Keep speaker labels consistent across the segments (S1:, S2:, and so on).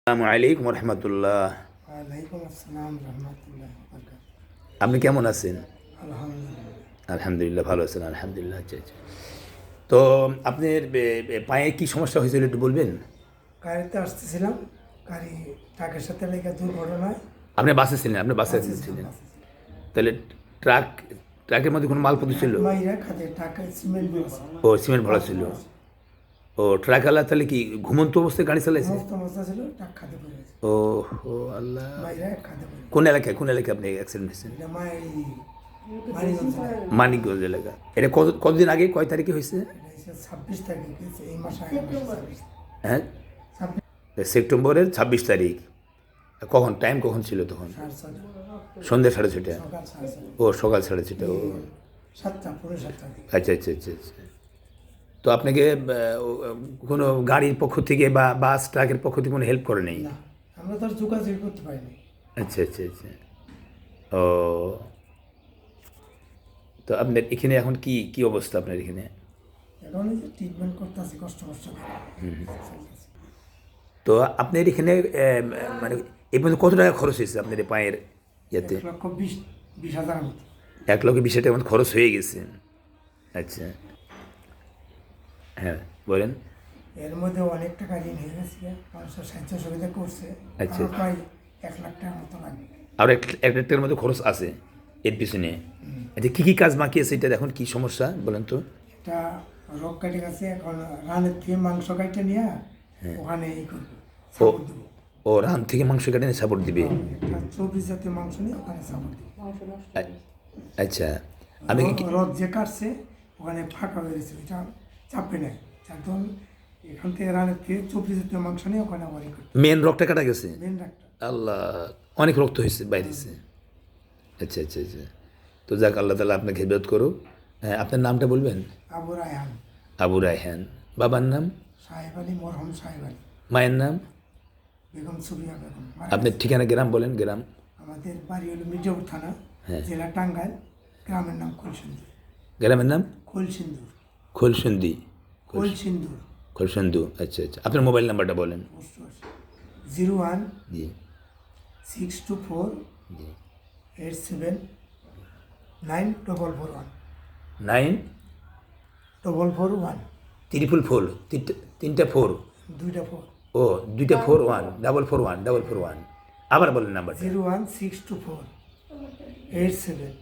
S1: আসসালামু আলাইকুম রহমতুল্লাহ।
S2: ওয়ালাইকুম আসসালাম রহমতুল্লাহ বরকাত।
S1: আপনি কেমন আছেন?
S2: আলহামদুলিল্লাহ।
S1: আলহামদুলিল্লাহ ভালো আছেন, আলহামদুলিল্লাহ। আচ্ছা আচ্ছা। তো আপনার পায়ে কি সমস্যা হয়েছিল একটু বলবেন?
S2: গাড়িতে আসতেছিলাম, গাড়ি ট্রাকের সাথে লেগে দুর্ঘটনায়
S1: আপনি বাসে ছিলেন, আপনি বাসে
S2: বাঁচে ছিলাম
S1: ছিলেন?
S2: বাঁচে ছিলাম।
S1: তাহলে ট্রাকের মধ্যে কোনো মালপত্র ছিল?
S2: মাইরা খাতে ট্রাকের সিমেন্ট বলেছে,
S1: ও সিমেন্ট ভরা ছিল। ও ট্রাকওয়ালা তাহলে কি ঘুমন্ত অবস্থায় গাড়ি চালাইছে?
S2: সমস্ত অবস্থা ছিল, ট্রাক খাতে পড়েছে,
S1: ও ও আল্লাহ।
S2: মাইরা খাতে পড়েছে।
S1: কোন এলাকায় আপনি অ্যাক্সিডেন্ট হয়েছেন?
S2: এটা মানিগঞ্জ জেলায়।
S1: মানিকগঞ্জ এলাকা। এটা কতদিন আগে, কয় তারিখে হয়েছে?
S2: এটা হচ্ছে 26 তারিখ হয়েছে, এই মাসে 26।
S1: হ্যাঁ,
S2: 26
S1: সেপ্টেম্বরের 26 তারিখ। কখন, টাইম কখন ছিল তখন?
S2: 6:30
S1: সন্ধ্যা 6:30।
S2: সকাল 6:30
S1: ও সকাল 6:30। ও
S2: 7টা পুরো 7টা।
S1: আচ্ছা আচ্ছা আচ্ছা আচ্ছা। তো আপনাকে কোনো গাড়ির পক্ষ থেকে বা বাস ট্রাকের পক্ষ থেকে কোনো হেল্প করে নেই?
S2: না, আমরা তো আর যোগাযোগ করতে পারিনি।
S1: আচ্ছা আচ্ছা আচ্ছা। ও, তো আপনার এখানে এখন কি কি অবস্থা আপনার এখানে?
S2: এখন এই যে ট্রিটমেন্ট করতে আছি কষ্ট কষ্ট করে।
S1: তো আপনার এখানে মানে এই পর্যন্ত কত টাকা খরচ হয়েছে আপনার এই পায়ের ইয়েতে?
S2: 1,20,000 মতো।
S1: 1,20,000 মতো খরচ হয়ে গেছে। আচ্ছা, হ্যাঁ বলেন।
S2: এর মধ্যে অনেক টাকা ঋণ হয়ে গেছে, মানুষের সাহায্য সুবিধা করছে।
S1: আচ্ছা।
S2: আমার প্রায় 1,00,000 টাকার মতো লাগবে।
S1: আর এক টাকার মধ্যে খরচ আছে এর পিছনে। আচ্ছা, কী কী কাজ বাকি আছে, এটা এখন কী সমস্যা বলেন তো?
S2: এটা রোগ কেটে গেছে, এখন রানের থেকে মাংস কাটে নিয়ে ওখানে এই করবো,
S1: ও
S2: সাপোর্ট দেবো।
S1: ও রান থেকে মাংস কেটে সাপোর্ট দিবে?
S2: একটা 24 জাতীয় মাংস নিয়ে ওখানে সাপোর্ট দেবো।
S1: আচ্ছা, আমি
S2: রথ যে কাটছে ওখানে ফাঁকা হয়ে গেছে, ওইটা চাপে নেয়। একদম এখান থেকে রানের থেকে 24 জাতীয় মাংস নিয়ে ওখানে আবার এই করতে
S1: মেন রক্তটা কাটা গেছে?
S2: Main doctor.
S1: আল্লাহ, অনেক রক্ত হয়েছে বাইরেছে। আচ্ছা আচ্ছা আচ্ছা। তো যাক, আল্লাহ তালা আপনাকে হেদায়েত করুক। হ্যাঁ, আপনার নামটা বলবেন?
S2: আবু রায়হান,
S1: আবু রায়হান। বাবার নাম?
S2: সাহেব আলী, মরহম সাহেব আলী।
S1: মায়ের নাম?
S2: বেগম সুবিয়া বেগম।
S1: আপনার ঠিকানা, গ্রাম বলেন, গ্রাম।
S2: আমাদের বাড়ি হলো মির্জাপুর থানা,
S1: হ্যাঁ।
S2: জেলা টাঙ্গাইল, গ্রামের নাম খোলসিন্দুর।
S1: গ্রামের নাম?
S2: খোলসিন্দুর।
S1: খোলসন্দি।
S2: খোলসিন্দুর।
S1: খোলসন্দু। আচ্ছা আচ্ছা। আপনার মোবাইল নাম্বারটা বলেন।
S2: 01
S1: জি
S2: 624
S1: জি।
S2: 87 9441
S1: 9
S2: 441
S1: 444 তিনটা ফোর।
S2: 2টা 4।
S1: ও, 2টা 41 441 আবার বলেন নাম্বারটা।
S2: 01624 87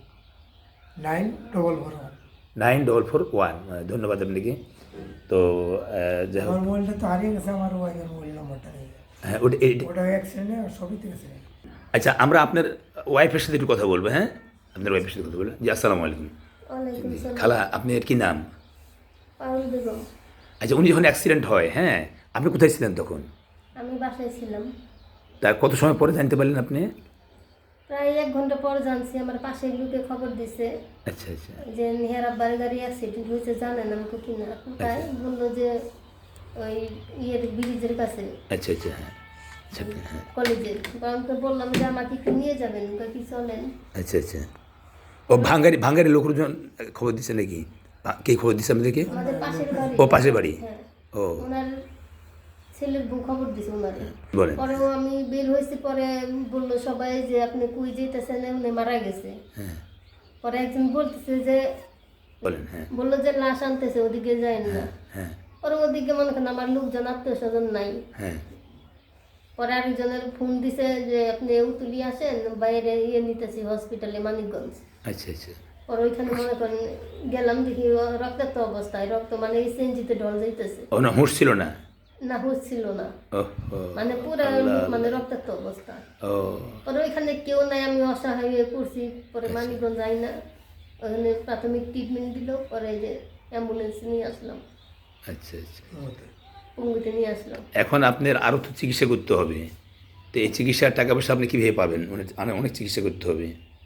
S2: 9441।
S1: 9441। ধন্যবাদ আপনাকে। তো যাই হোক,
S2: আমার মোবাইলটা তো হারিয়ে গেছে, আমার ওয়াইফের মোবাইল নাম্বারটা নেই।
S1: হ্যাঁ
S2: ওটা অ্যাক্সিডেন্টে সবই থেকে গেছে।
S1: আচ্ছা, আমরা আপনার ওয়াইফের সাথে একটু কথা বলবো। হ্যাঁ, আপনার ওয়াইফের সাথে কথা বলবো। জি, আসসালামু আলাইকুম।
S3: ওয়ালাইকুম সালাম।
S1: খালা, আপনার কি নাম?
S3: পারুল বেগম।
S1: আচ্ছা, উনি যখন অ্যাক্সিডেন্ট হয়, হ্যাঁ, আপনি কোথায় ছিলেন তখন?
S3: আমি বাসায় ছিলাম।
S1: তার কত সময় পরে জানতে পারলেন আপনি?
S3: প্রায় 1 ঘন্টা পর জানছি, আমার পাশের লোকে খবর দিছে
S1: আচ্ছা আচ্ছা
S3: যে নিহার আব্বার গাড়ি অ্যাক্সিডেন্ট হয়েছে, জানেন আমাকে কিনা। তাই বললো যে ওই ব্রিজের কাছে,
S1: আচ্ছা আচ্ছা। হ্যাঁ আচ্ছা হ্যাঁ
S3: কলেজের। আমাকে বললাম যে আমাকে একটু নিয়ে যাবেন, কি চলেন।
S1: আচ্ছা আচ্ছা। ও ভাঙ্গারি লোকজন খবর দিচ্ছে নাকি? কে খবর দিচ্ছে আপনাদেরকে?
S3: আমাদের পাশের বাড়ি।
S1: ও, পাশের বাড়ি।
S3: হ্যাঁ,
S1: ও,
S3: ওনার ছেলের বউ খবর দিছে ওনারে।
S1: বলেন।
S3: পরেও আমি বের হয়েছি, পরে বললো সবাই যে আপনি কুই যেতেছেন, উনি মারা গেছে।
S1: হ্যাঁ
S3: পরে একজন বলতেছে যে,
S1: বলেন। হ্যাঁ
S3: বললো যে লাশ আনতেছে, ওদিকে যায় না।
S1: হ্যাঁ
S3: পরে ওদিকে মনে করেন আমার লোকজন, আত্মীয় স্বজন নাই।
S1: হ্যাঁ
S3: পরে আরেকজনের ফোন দিছে যে আপনি উতুলি আসেন, বাইরে নিতেছি হসপিটালে মানিকগঞ্জ।
S1: আচ্ছা আচ্ছা।
S3: পরে ওইখানে মনে করেন গেলাম, দেখি রক্তাক্ত অবস্থায়, রক্ত মানে এই সেঞ্জিতে ঢল যাইতেছে।
S1: ও না, হুঁশ ছিল না?
S3: না, হচ্ছিল না,
S1: ও ও
S3: মানে পুরো মানে রক্তাক্ত অবস্থা।
S1: ও
S3: পরে ওইখানে কেউ নাই, আমি অসহায় হয়ে পড়ছি। পরে মানিকগঞ্জ যাই না, ওখানে প্রাথমিক ট্রিটমেন্ট দিল, পরে যে অ্যাম্বুলেন্স নিয়ে আসলাম,
S1: আচ্ছা আচ্ছা।
S3: পঙ্গুতে নিয়ে আসলাম।
S1: এখন আপনার আরও তো চিকিৎসা করতে হবে। তো এই চিকিৎসার টাকা পয়সা আপনি কীভাবে পাবেন? অনেক চিকিৎসা করতে হবে।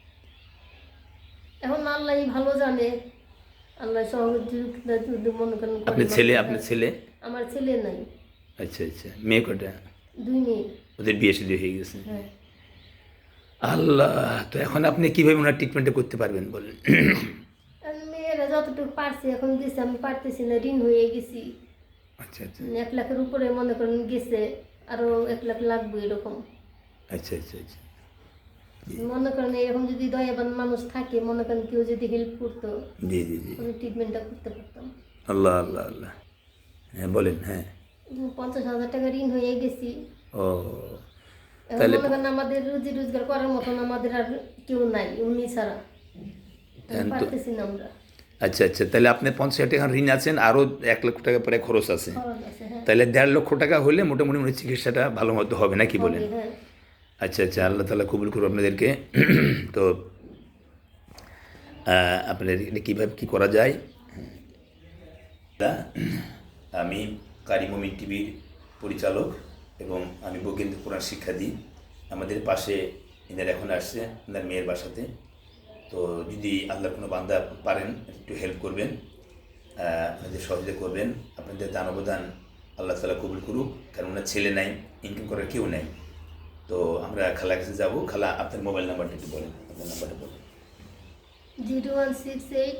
S3: এখন আল্লাহ ভালো জানে, আল্লাহ সহযোগিতা যদি মনে করেন করে।
S1: আপনার ছেলে?
S3: আমার ছেলে নাই।
S1: আচ্ছা আচ্ছা। মেয়ে কটা?
S3: 2 মেয়ে।
S1: ওদের বিয়ে শাদী হয়ে গেছে?
S3: হ্যাঁ।
S1: আল্লাহ, তো এখন আপনি কীভাবে ওনার ট্রিটমেন্টটা করতে পারবেন বলেন?
S3: আর মেয়েরা যতটুকু পারছি এখন দিছে, আমি পারতেছি না, ঋণ হয়ে গেছি।
S1: আচ্ছা আচ্ছা
S3: 1 লাখের উপরে মনে করেন গেছে। আরও 1 লাখ লাগবে এরকম।
S1: আচ্ছা আচ্ছা আচ্ছা
S3: মনে করেন এরকম যদি দয়াবান মানুষ থাকে, মনে করেন কেউ যদি হেল্প করতো,
S1: জি জি জি
S3: ওই ট্রিটমেন্টটা করতে পারতাম।
S1: আল্লাহ আল্লাহ আল্লাহ। হ্যাঁ বলেন। হ্যাঁ
S3: 50,000 টাকা ঋণ হয়ে গেছি।
S1: ও
S3: এখন
S1: তাহলে
S3: মনে করেন আমাদের রুজি রোজগার করার মতন আমাদের আর কেউ নাই, উনি ছাড়া
S1: হ্যাঁ, তো
S3: পারতেছি না আমরা।
S1: আচ্ছা আচ্ছা, তাহলে আপনি 50,000 টাকা ঋণ আছেন, আরও 1 লক্ষ টাকা পরে খরচ আছে,
S3: খরচ আছে, হ্যাঁ।
S1: তাহলে 1.5 লক্ষ টাকা হলে মোটামুটি মনে হয় চিকিৎসাটা ভালো মতো হবে নাকি বলেন?
S3: হবে, হ্যাঁ।
S1: আচ্ছা আচ্ছা, আল্লাহ তাআলা কবুল করুন আপনাদেরকে। তো আপনাদের এটা কীভাবে কী করা যায়? তা আমি কারি মুমিন টিভির পরিচালক এবং আমি বৈজ্ঞানিক কোরআন শিক্ষা দিই। আমাদের পাশে এনারা এখন আসছে ওনার মেয়ের বাসাতে। তো যদি আল্লাহর কোনো বান্দা পারেন একটু হেল্প করবেন, আপনাদের সহযোগিতা করবেন, আপনাদের দান অবদান আল্লাহ তাআলা কবুল করুক। কারণ ওনার ছেলে নাই, ইনকাম করার কেউ নাই। তো আমরা খালার কাছে যাবো। খালা, আপনার মোবাইল নাম্বারটা একটু বলেন, আপনার নাম্বারটা বলেন।
S3: 0168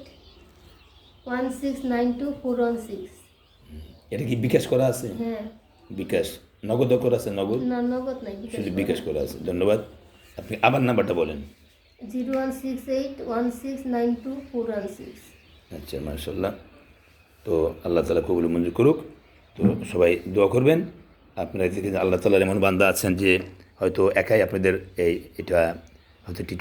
S3: 1692
S1: এটা কি বিকাশ করা আছে?
S3: হ্যাঁ।
S1: বিকাশ নগদও করা আছে? নগদ
S3: না, নগদ নাই,
S1: শুধু বিকাশ করা আছে। ধন্যবাদ। আপনি আবার নাম্বারটা বলেন।
S3: 0168 1692 416।
S1: আচ্ছা, মাশাআল্লাহ। তো আল্লাহ তাআলা কবুল মঞ্জুর করুক। তো সবাই দোয়া করবেন। আপনারা দেখেন আল্লাহ তাআলার এমন বান্দা আছেন যে হয়তো একাই আপনাদের এটা হয়তো